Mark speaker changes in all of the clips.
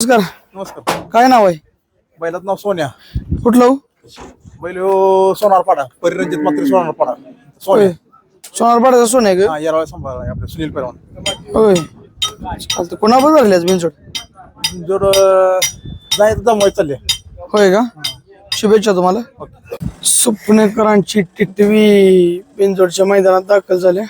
Speaker 1: नमस्कार.
Speaker 2: नमस्कार.
Speaker 1: काय नाव आहे?
Speaker 2: बैलाचं नाव सोन्या.
Speaker 1: कुठलं हो?
Speaker 2: बैल सोनारपाडा, परिरंजित मात्र सोनारपाडा. सोन्या
Speaker 1: सोनारपाड्याचा सोन आहे का?
Speaker 2: याला सांभाळा आपले सुनील पैलवान.
Speaker 1: होय चालतं. कोणाबरोबर धरले आज बिनजोड?
Speaker 2: जोड जायचं जमवाय चालले.
Speaker 1: होय का? शुभेच्छा तुम्हाला. सुपणेकरांची टिटवी बिनजोडच्या मैदानात दाखल झाल्या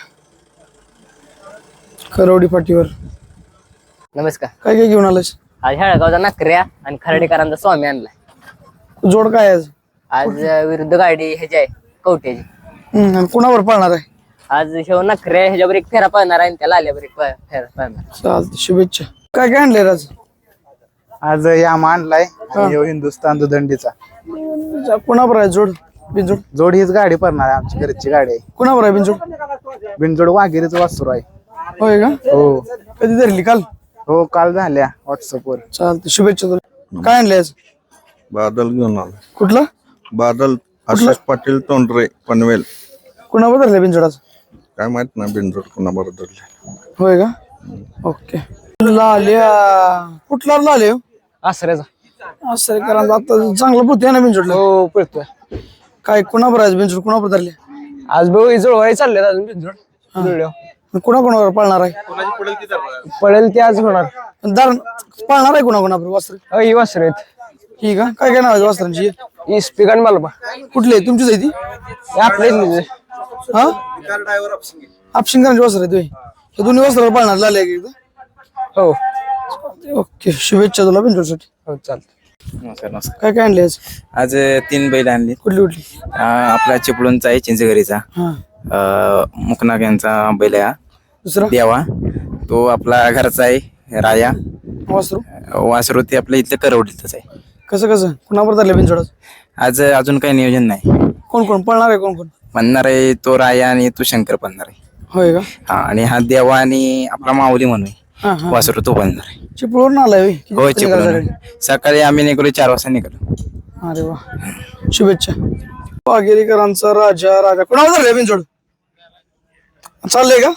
Speaker 1: करवडी पाटीवर.
Speaker 3: नमस्कार.
Speaker 1: काय काय घेऊन आलास?
Speaker 3: आज हेळगावचा नाकऱ्या आणि खराडीकरांचा स्वामी आणलाय.
Speaker 1: जोड काय आहे आज?
Speaker 3: आज विरुद्ध गाडी ह्याची आहे कवट्याची.
Speaker 1: आणि कोणावर पाळणार आहे?
Speaker 3: आज शेव नाकऱ्या ह्याच्यावर एक फेरा पाळणार आहे आणि त्याला आल्यावर एक फेरा पाळणार.
Speaker 1: चालतं. शुभेच्छा. काय काय आणले आज?
Speaker 2: आज यामा आणलाय आणि हिंदुस्थान दुदंडीचा
Speaker 1: कोणावर आहे जोड बिनजोड?
Speaker 2: जोड हीच गाडी पडणार आहे, आमची घरची गाडी आहे.
Speaker 1: कोणावर आहे बिनजोड?
Speaker 2: बिनजोड वाघेरीच वासरू आहे.
Speaker 1: होय का?
Speaker 2: हो
Speaker 1: कधी धरली? काल?
Speaker 2: हो काल झाल्या व्हॉट्सअपवर.
Speaker 1: चालतं. शुभेच्छा तुला. काय आणले आज?
Speaker 4: बादल घेऊन आला.
Speaker 1: कुठलं
Speaker 4: बादल आशिष पाटील तोंडरे पनवेल.
Speaker 1: कोणावर धरले बिनजोड आज?
Speaker 4: काय माहित ना बिनजोड कोणाबरोबर धरले.
Speaker 1: होय का? ओके. लाल्या कुठला लाले?
Speaker 3: आसऱ्याचा.
Speaker 1: असं कारण आता चांगलं पोहते ना बिनजोडला.
Speaker 3: हो पळतोय.
Speaker 1: काय कोणावर आहे बिनजोड? कोणावर धरले?
Speaker 3: आज बघ जुळवाई चालले अजून बिनजोड.
Speaker 1: कोणाकोणावर पाळणार आहे?
Speaker 3: पळेल ते आज होणार.
Speaker 1: दार पाळणार आहे कोणाकोणावर वस्त्र?
Speaker 3: ही वासर आहेत.
Speaker 1: ठीक आहे. काय काय नाव आहे वस्त्रांची?
Speaker 3: इस्पिकान मालबा
Speaker 1: कुठली आहे तुमचीच आहे ती?
Speaker 3: आपले
Speaker 1: हा आपशिंगांची वस्त्र आहे तुम्ही? हे दोन्ही वस्त्रावर पाळणार लाल्या एकदा.
Speaker 3: हो
Speaker 1: ओके. शुभेच्छा तुला बिनजोडसाठी.
Speaker 3: हो चालतं.
Speaker 5: नमस्कार नमस्कार.
Speaker 1: काय काय आणले आज?
Speaker 5: आज 3 बैल आणली.
Speaker 1: कुठली कुठली?
Speaker 5: आपला चिपळूणचा आहे चिंचगरीचा.
Speaker 1: हा.
Speaker 5: मुकनाक यांचा बैल आहे.
Speaker 1: दुसरा
Speaker 5: देवा तो आपला घरचा आहे. राया
Speaker 1: वस्त्र
Speaker 5: वासरू ते आपल्या इथलं करवडीतच आहे.
Speaker 1: कसं कसं कोणावर धरले बिनजोड आज?
Speaker 5: आज अजून काही नियोजन नाही.
Speaker 1: कोण कोण पाळणार आहे? कोण कोण
Speaker 5: म्हणणार आहे? तो राया आणि तो शंकर बनणार आहे.
Speaker 1: होय का?
Speaker 5: हा आणि हा देवा आणि आपला माऊली म्हणून
Speaker 1: हा हा.
Speaker 5: वासरू तो बनणार आहे.
Speaker 1: चिपळूण आलाय होय? किती
Speaker 5: हो
Speaker 1: वाजता निघाला
Speaker 5: चिपळूण.
Speaker 1: सकाळी?
Speaker 5: सकाळी आम्ही निघालो 4 वाजता निघालो.
Speaker 1: अरे वा. शुभेच्छा. वाघेरीकरांचा राजा कोणावर धरले बिनजोड? चाललंय का?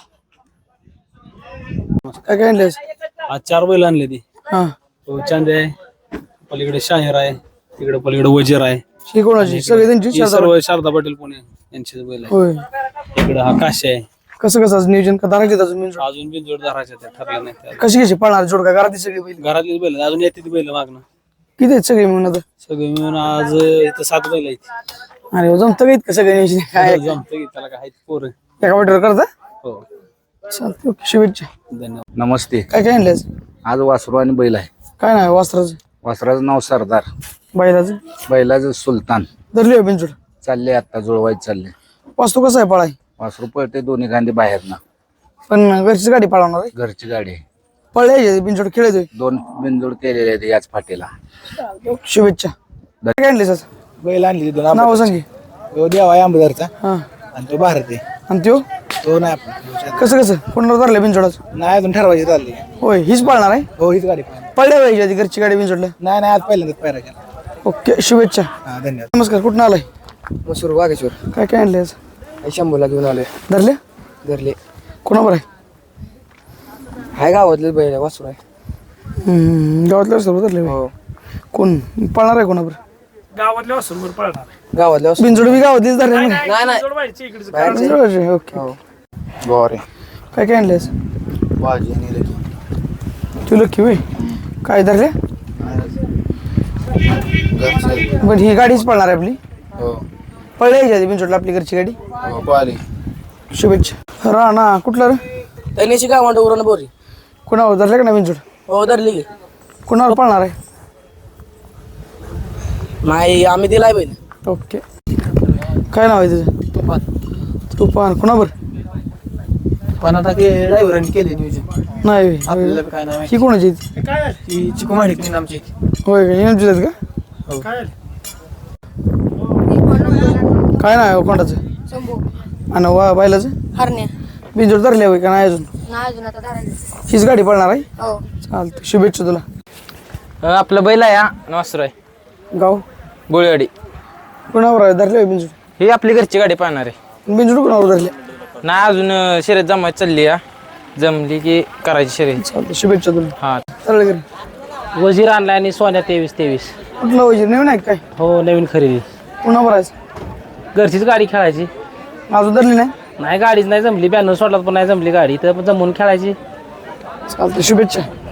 Speaker 1: काय काय आणले आज?
Speaker 6: आज 4 बैल आणले ती.
Speaker 1: हा.
Speaker 6: चांदे आहे, पलीकडे शाहीर आहे, तिकडे पलीकडे वजीर आहे.
Speaker 1: ही कोणाची? सगळे त्यांची
Speaker 6: ही सर्व शारदा पाटील पुणे यांचे बैल आहे.
Speaker 1: होय.
Speaker 6: इकडे हा काशी आहे.
Speaker 1: कसं कसं आज नियोजन का धरायचे अजून बिनजोड?
Speaker 6: अजून बी जोडदाराचे ठरले नाही ते.
Speaker 1: कशी कशी पाळणार जोड? का घरात सगळी बैल?
Speaker 6: घरातलीच बैल अजून येते ती बैल मागणं.
Speaker 1: किती आहेत सगळे म्हणून आता?
Speaker 6: सगळे मिळून आज इथं 7 बैल आहेत.
Speaker 1: अरे जमतं का इतकं सगळं नियोजन? काय
Speaker 6: जमतं की त्याला काय पोरं.
Speaker 1: एका वाटेवर करता?
Speaker 6: हो
Speaker 1: चालतं. ओके. शुभेच्छा.
Speaker 6: धन्यवाद.
Speaker 7: नमस्ते.
Speaker 1: काय काय आणले आज?
Speaker 7: आज वासरू आणि बैल आहे.
Speaker 1: काय नाही वस्त्राचं
Speaker 7: वासराचं नाव सरदार,
Speaker 1: बैलाचं
Speaker 7: बैलाचं सुलतान.
Speaker 1: धरली बिनजोड?
Speaker 7: चालले आता जुळवायचे चालले.
Speaker 1: वास्तू कसं आहे पळाय?
Speaker 7: वासरू पळते दोन्ही गांधी बाहेर ना.
Speaker 1: पण घरची गाडी पळवणार आहे?
Speaker 7: घरची गाडी आहे.
Speaker 1: पळले बिनजोड खेळतोय.
Speaker 7: 2 बिनजोड केलेले आहेत याच फाटीला.
Speaker 1: शुभेच्छा. काय आणले आज?
Speaker 2: बैल आणली 2
Speaker 1: नाव सांगे.
Speaker 2: तो देवा आहे आंबेदरचा
Speaker 1: हा.
Speaker 2: आणि तो भारत आहे.
Speaker 1: आणि त्यो
Speaker 2: तो नाही आपण
Speaker 1: कसं कसं कोणाला धरले बिनजोडाच?
Speaker 2: नाही अजून ठरवायची चालली.
Speaker 1: होय. हीच पळणार आहे?
Speaker 2: हो हीच गाडी पाहिजे.
Speaker 1: पळल्या पाहिजे आधी घरची गाडी बिनजोडला.
Speaker 2: नाही आज पहिल्यांदाच पायरा केला.
Speaker 1: ओके. शुभेच्छा.
Speaker 2: हा धन्यवाद.
Speaker 1: नमस्कार. कुठून आलाय?
Speaker 3: मसूर वाघेश्वर.
Speaker 1: काय काय आणले आज?
Speaker 3: शंभूला घेऊन आलोय.
Speaker 1: धरले
Speaker 3: धरले.
Speaker 1: कोणावर आहे?
Speaker 3: हाय गावातले बैल वासरू आहे.
Speaker 1: गावातल्या सर्व धरले होय. कोण पळणार आहे कोणावर?
Speaker 6: गावातल्या वासरूवर पळणार.
Speaker 3: गावातल्या
Speaker 1: बिनजोड बी गावातलीच धरले ना?
Speaker 3: नाही नाही
Speaker 1: बिनजोडाचे. ओके.
Speaker 7: गोरे
Speaker 1: काय काय आणले आज?
Speaker 7: बाजी आणि लकी.
Speaker 1: तू लक्की होय. काय धरले? पण ही गाडीच पळणार आहे आपली?
Speaker 7: हो
Speaker 1: पळल्या आधी बिनजोडला आपली घरची गाडी.
Speaker 7: हो पाहिली.
Speaker 1: शुभेच्छा. राणा कुठला रे?
Speaker 3: त्यांनी गावांड उरण बोरी.
Speaker 1: कोणावर धरले का नाही बिनजोड?
Speaker 3: हो धरली की.
Speaker 1: कोणावर पळणार आहे?
Speaker 3: नाही आम्ही दिलाय बैल.
Speaker 1: ओके. काय नाव आहे तुझं? तुफान. कोणावर?
Speaker 2: पण आता ड्रायव्हरांनी केले नियोजन.
Speaker 1: नाही होय.
Speaker 2: आपल्याला काय नाव
Speaker 1: ही कोणाची?
Speaker 2: ही चिकुमाडी आमची.
Speaker 1: होय का? येऊन आहेत का? काय नाव आहे कोणाचं? आणि बैलाचं?
Speaker 8: हरण्या.
Speaker 1: बिनजोड धरले होय का नाही अजून?
Speaker 8: नाही अजून आता धरायचं.
Speaker 1: हीच गाडी पळणार आहे?
Speaker 8: हो.
Speaker 1: चालतं. शुभेच्छा तुला.
Speaker 3: आपलं बैल आहे हा वासरू आहे.
Speaker 1: गाव
Speaker 3: गोळीवाडी.
Speaker 1: कोणावर आहे धरले बिनजोड?
Speaker 3: ही आपली घरची गाडी पाहणार आहे.
Speaker 1: बिनजोड कोणावर धरले?
Speaker 3: नाही अजून शर्यत जमायची चालली आहे. जमली की करायची शर्यत.
Speaker 1: चालतं. शुभेच्छा तुला.
Speaker 3: हा
Speaker 1: चालेल घरी.
Speaker 8: वजीर आणलाय आणि सोन्या 23-23.
Speaker 1: कुठलं वजीर नवीन आहे का काय
Speaker 8: हो नवीन खरेदी.
Speaker 1: पुन्हा भरायचं
Speaker 8: घरचीच गाडी खेळायची.
Speaker 1: अजून धरली नाही
Speaker 8: नाही गाडीच नाही जमली. 92 सोडला पण नाही जमली गाडी तर जमून खेळायची.
Speaker 1: चालतं शुभेच्छा.